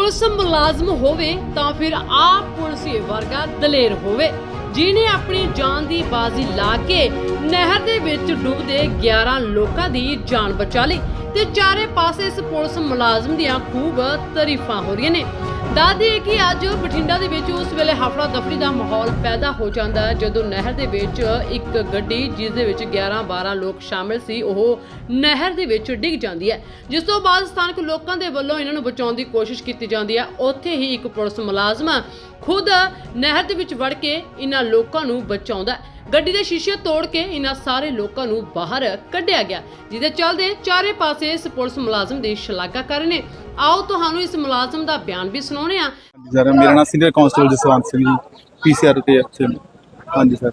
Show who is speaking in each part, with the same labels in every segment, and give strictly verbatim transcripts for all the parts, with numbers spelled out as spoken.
Speaker 1: Police मुलाजम होवे तां फिर आप पुलिस वर्गा दलेर होवे जिन्हें अपनी जान की बाजी ला के नहर दे विच डुबदे ग्यारह लोगों की जान बचा ली ते चारे पासे इस पुलिस मुलाजम दियां खूब तारीफां हो रही ने। दस दईए कि अज बठिंडा दे विच उस वेले हफड़ा दफड़ी का माहौल पैदा हो जाता है जदों नहर दे विच एक गड्डी जिस दे विच ग्यारह बारह लोग शामिल सी ओह नहर दे विच डिग जाती है, जिस तो बाद स्थानक लोगों के वल्लों इन्हां नूं बचाउण दी कोशिश की जाती है। उत्थे ही एक पुलिस मुलाजम खुद नहर दे विच वड़ के इन्हां लोगों नूं बचाउंदा है। गड्डी दे शीशे तोड़ के इन्हां सारे लोगों नूं बाहर कढ़िया गया, जिहदे चलदे चारे पासे इस पुलिस मुलाजम की शलाघा कर रहे हैं। आओ तुहानूं इस मुलाजम का बयान भी सुणाउने आ।
Speaker 2: सर मेरा नाम senior constable Jaswant Singh ji PCR ते ਇੱਥੇ हाँ जी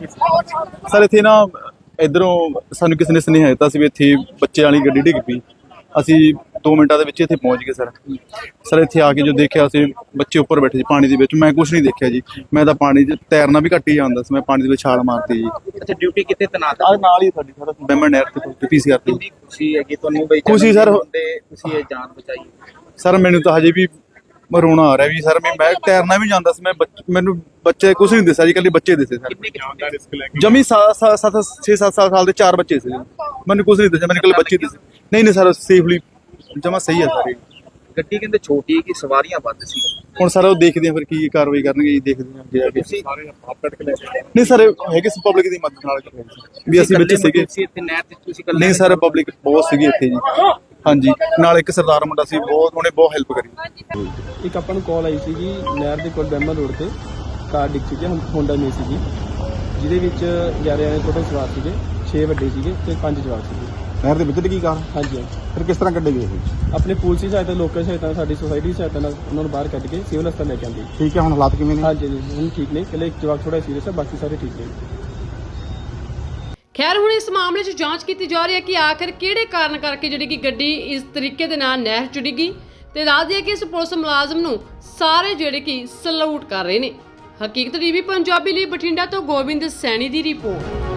Speaker 2: सर सर ਇੱਥੇ ਨਾ ਇਧਰੋਂ ਸਾਨੂੰ ਕਿਸੇ ਨੇ ਸੁਨੇਹਾ ਦਿੱਤਾ ਸੀ ਵੀ ਇੱਥੇ ਬੱਚੇ ਵਾਲੀ ਗੱਡੀ ਡਿੱਗ ਪਈ। ਅਸੀਂ दो ਮਿੰਟਾਂ ਦੇ ਵਿੱਚ ਇੱਥੇ ਪਹੁੰਚ ਗਏ ਸਰ। ਸਰ ਇੱਥੇ ਆ ਕੇ ਜੋ ਦੇਖਿਆ ਅਸੀਂ ਬੱਚੇ ਉੱਪਰ ਬੈਠੇ ਸੀ ਪਾਣੀ ਦੇ ਵਿੱਚ, ਮੈਂ ਕੁਝ ਨਹੀਂ ਦੇਖਿਆ ਜੀ। ਮੈਂ ਤਾਂ ਪਾਣੀ 'ਚ ਤੈਰਨਾ ਵੀ ਘੱਟ ਹੀ ਜਾਂਦਾ ਸੀ, ਮੈਂ ਪਾਣੀ ਦੇ ਵਿੱਚ ਛਾਲ ਮਾਰਤੀ ਜੀ।
Speaker 3: ਅੱਛਾ, ਡਿਊਟੀ ਕਿੱਥੇ ਤੈਨਾਤ
Speaker 2: ਆ ਨਾਲ ਹੀ ਸਾਡੀ ਸਰ ਬੈਮਨ ਨਹਿਰ ਤੇ ਪੀਸੀਆਰ ਤੇ।
Speaker 3: ਖੁਸ਼ੀ ਹੈਗੀ ਤੁਹਾਨੂੰ ਬਈ?
Speaker 2: ਖੁਸ਼ੀ ਸਰ,
Speaker 3: ਤੁਸੀਂ ਇਹ ਜਾਨ ਬਚਾਈ।
Speaker 2: ਸਰ ਮੈਨੂੰ ਤਾਂ ਹਜੇ ਵੀ ਰੋਣਾ ਆ ਰਿਹਾ ਵੀ ਸਰ ਮੈਂ ਮੈਂ ਤੈਰਨਾ ਵੀ ਜਾਂਦਾ ਸੀ, ਮੈਂ ਮੈਨੂੰ ਬੱਚੇ ਕੁਝ ਨਹੀਂ ਦਿਸਿਆ ਜੀ, ਇਕੱਲੇ ਬੱਚੇ ਦਿਸੇ ਸਰ। ਜਮੀ ਸੱਤ ਛੇ ਸੱਤ ਸਾਲ ਦੇ ਚਾਰ ਬੱਚੇ ਸੀ, ਮੈਨੂੰ ਕੁਝ ਨਹੀਂ ਦਿਸਿਆ, ਮੈਨੂੰ ਇਕੱਲੇ ਬੱਚੇ ਦਿਸੇ। ਨਹੀਂ ਨਹੀਂ ਸਰ ਸੇਫਲੀ ਜਮਾ ਸਹੀ ਹੈ ਸਰ।
Speaker 3: ਗੱਡੀ ਕਹਿੰਦੇ ਛੋਟੀ ਹੈ ਕਿ ਸਵਾਰੀਆਂ ਵੱਧ ਸੀ?
Speaker 2: ਹੁਣ ਸਰ ਉਹ ਦੇਖਦੇ ਆ ਫਿਰ ਕੀ ਕਾਰਵਾਈ ਕਰਨਗੇ ਜੀ, ਦੇਖਦੇ ਆ ਅੱਗੇ ਜਾ ਕੇ। ਨਹੀਂ ਸਰ ਹੈਗੇ ਸੀ ਪਬਲਿਕ ਦੀ ਮਦਦ ਨਾਲ ਵੀ ਅਸੀਂ ਬੱਚੇ ਸੀਗੇ
Speaker 3: ਇੱਥੇ ਨਹਿਰ ਤੇ, ਤੁਸੀਂ ਇਕੱਲੇ?
Speaker 2: ਨਹੀਂ ਸਰ ਪਬਲਿਕ ਬਹੁਤ ਸੀਗੀ ਇੱਥੇ ਜੀ। ਹਾਂਜੀ ਨਾਲ ਇੱਕ ਸਰਦਾਰ ਮੁੰਡਾ ਸੀ, ਬਹੁਤ ਉਹਨੇ ਬਹੁਤ ਹੈਲਪ ਕਰੀ।
Speaker 4: ਇੱਕ ਆਪਾਂ ਨੂੰ ਕਾਲ ਆਈ ਸੀਗੀ ਨਹਿਰ ਦੇ ਕੋਲ ਬੈਮਨ ਰੋਡ ਤੇ ਕਾਰ ਡਿੱਗ ਚੁੱਕੀ ਹੈ, ਹੋਂਡਾ ਮੇ ਸੀਗੀ, ਜਿਹਦੇ ਵਿੱਚ ਗਿਆਰਾਂ ਜਣੇ ਟੋਟਲ ਸਵਾਰ ਸੀਗੇ, ਛੇ ਵੱਡੇ ਸੀਗੇ ਤੇ ਪੰਜ ਜਵਾਕ ਸੀਗੇ।
Speaker 2: ਨਹਿਰ ਦੇ ਵਿੱਚ ਡਿੱਗੀ ਕਾਰ?
Speaker 4: ਹਾਂਜੀ ਹਾਂਜੀ।
Speaker 2: ਫਿਰ ਕਿਸ ਤਰ੍ਹਾਂ ਕੱਢੇ ਗਏ ਇਹ?
Speaker 4: ਆਪਣੇ ਪੁਲਿਸ ਦੀ ਸਹਾਇਤਾ, ਲੋਕਲ ਸਹਾਇਤਾ, ਸਾਡੀ ਸੁਸਾਇਟੀ ਦੀ ਸਹਾਇਤਾ ਨਾਲ ਉਹਨਾਂ ਨੂੰ ਬਾਹਰ ਕੱਢ ਕੇ ਸਿਵਲ ਹਸਪਤਾਲ ਲੈ ਕੇ ਆਂਦੇ।
Speaker 2: ਠੀਕ ਹੈ, ਹੁਣ ਹਾਲਾਤ ਕਿਵੇਂ ਨੇ?
Speaker 4: ਹਾਂਜੀ ਜੀ ਹੁਣ ਠੀਕ ਨੇ, ਇਕੱਲੇ ਇੱਕ ਜਵਾਕ ਥੋੜਾ ਸੀਰੀਅਸ ਹੈ, ਬਾਕੀ ਸਾਰੇ ਠੀਕ ਨੇ।
Speaker 1: खैर हुण इस मामले च जांच की जा रही है कि आखिर किहड़े कारण करके जिहड़ी कि गड्डी इस तरीके दे नाल नहर च डिगी ते दस दिए कि इस पुलिस मुलाजम नूं सारे जिहड़े कि सलूट कर रहे ने। हकीकत टीवी पंजाबी लई बठिंडा तो गोबिंद सैनी दी रिपोर्ट।